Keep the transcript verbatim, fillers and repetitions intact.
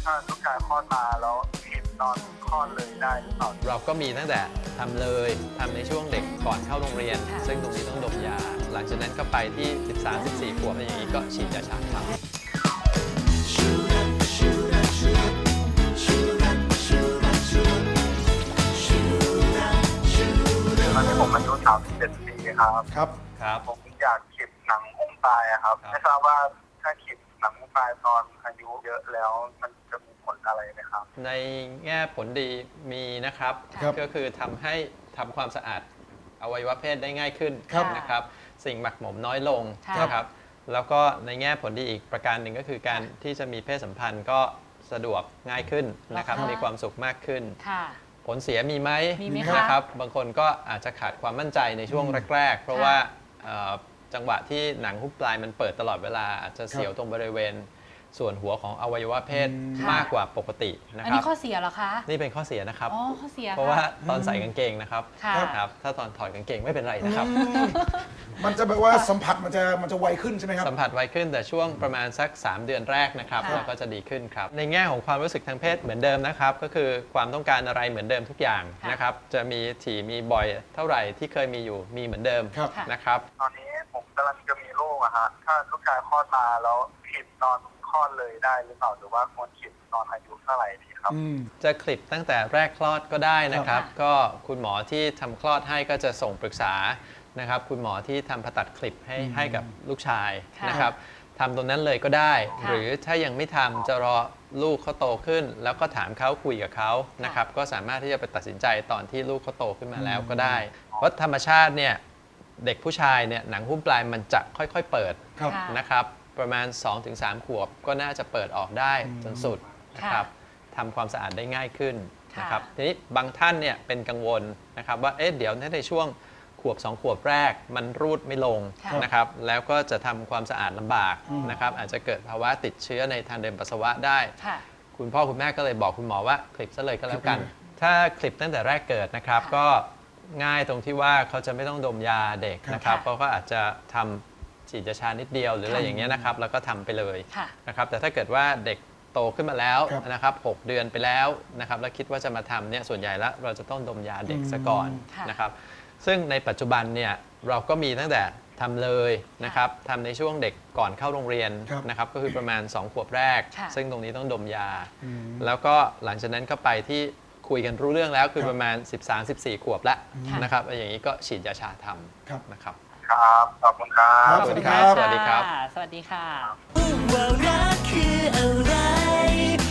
ถ้าลูกชายคลอดมาแล้วเห็นตอนคลอดเลยได้หรือเปล่าเราก็มีตั้งแต่ทำเลยทำในช่วงเด็กก่อนเข้าโรงเรียน ซึ่งตรงนี้ต้องดมยา หลังจากนั้นก็ไปที่ สิบสาม สิบสี่ ขวบอะไรอย่างนี้ก็ฉีดยาชาครับตอนนี้ผมอายุสามสิบเจ็ดปีครับครับครับผมอยากฉีดหนังหุ้มปลายครับไม่ทราบว่าถ้าฉีดหนังหุ้มปลายตอนอายุเยอะแล้วมันจะมีผลอะไรไหมครับในแง่ผลดีมีนะครับก็คือทำให้ทำความสะอาดอวัยวะเพศได้ง่ายขึ้นนะครับสิ่งหมักหมมน้อยลงนะครับแล้วก็ในแง่ผลดีอีกประการหนึ่งก็คือการที่จะมีเพศสัมพันธ์ก็สะดวกง่ายขึ้นนะครับมีความสุขมากขึ้นผลเสียมีไหมนะครับบางคนก็อาจจะขาดความมั่นใจในช่วงแรกๆเพราะว่าจังหวะที่หนังหุ้มปลายมันเปิดตลอดเวลาอาจจะเสียวตรงบริเวณส่วนหัวของอวัยวะเพศมากกว่าปกตินะครับอันนี้ข้อเสียเหรอคะนี่เป็นข้อเสียนะครับอ๋อข้อเสียเพราะว่าตอนใส่กางเกงนะครับครับถ้าตอนถอดกางเกงไม่เป็นไรนะครับมันจะแบบว่าสัมผัสมันจะมันจะไวขึ้นใช่ไหมครับสัมผัสไวขึ้นแต่ช่วงประมาณสักสามเดือนแรกนะครับเราก็จะดีขึ้นครับในแง่ของความรู้สึกทางเพศเหมือนเดิมนะครับก็คือความต้องการอะไรเหมือนเดิมทุกอย่างนะครับจะมีถี่มีบ่อยเท่าไหร่ที่เคยมีอยู่มีเหมือนเดิมนะครับตอนนี้ผมกำลังจะมีลูกอะฮะถ้าลูกชายคลอดมาแล้วผิดตอนคลอดเลยได้หรือเปล่าหรือว่าควรฉีดตอนอายุเท่าไหร่ดีครับจะคลิปตั้งแต่แรกคลอดก็ได้นะครับก็คุณหมอที่ทำคลอดให้ก็จะส่งปรึกษานะครับคุณหมอที่ทำผ่าตัดคลิปให้ให้กับลูกชายนะครับทำตรงนั้นเลยก็ได้หรือถ้ายังไม่ทำจะรอลูกเขาโตขึ้นแล้วก็ถามเขาคุยกับเขานะครับก็สามารถที่จะไปตัดสินใจตอนที่ลูกเขาโตขึ้นมาแล้วก็ได้เพราะธรรมชาติเนี่ยเด็กผู้ชายเนี่ยหนังหุ้มปลายมันจะค่อยๆเปิดนะครับประมาณ สองถึงสาม ขวบก็น่าจะเปิดออกได้จนสุดนะครับทำความสะอาดได้ง่ายขึ้นนะครับทีนี้บางท่านเนี่ยเป็นกังวลนะครับว่าเอ๊ะเดี๋ยวในช่วงขวบสองขวบแรกมันรูดไม่ลงนะครับแล้วก็จะทำความสะอาดลำบากนะครับอาจจะเกิดภาวะติดเชื้อในทางเดินปัสสาวะได้คุณพ่อคุณแม่ก็เลยบอกคุณหมอว่าคลิปซะเลยก็แล้วกันถ้าคลิปตั้งแต่แรกเกิดนะครับก็ง่ายตรงที่ว่าเขาจะไม่ต้องดมยาเด็กนะครับเขาก็อาจจะทำฉีดยาชานิดเดียวหรืออะไรอย่างเงี้ยนะครับแล้วก็ทำไปเลยนะครับแต่ถ้าเกิดว่าเด็กโตขึ้นมาแล้วนะครับหกเดือนไปแล้วนะครับแล้วคิดว่าจะมาทำเนี่ยส่วนใหญ่แล้วเราจะต้องดมยาเด็กซะก่อนนะครับซึ่งในปัจจุบันเนี่ยเราก็มีตั้งแต่ทำเลยนะครับทำในช่วงเด็กก่อนเข้าโรงเรียนนะครับก็คือประมาณสองขวบแรกซึ่งตรงนี้ต้องดมยาแล้วก็หลังจากนั้นก็ไปที่คุยกันรู้เรื่องแล้วคือประมาณ สิบสาม สิบสี่ ขวบแล้วนะครับอย่างนี้ก็ฉีดยาชาทำนะครับครับขอบคุณครับสวัสดีครับสวัสดีครับสวัสดีค่ะว่ารักคืออะไร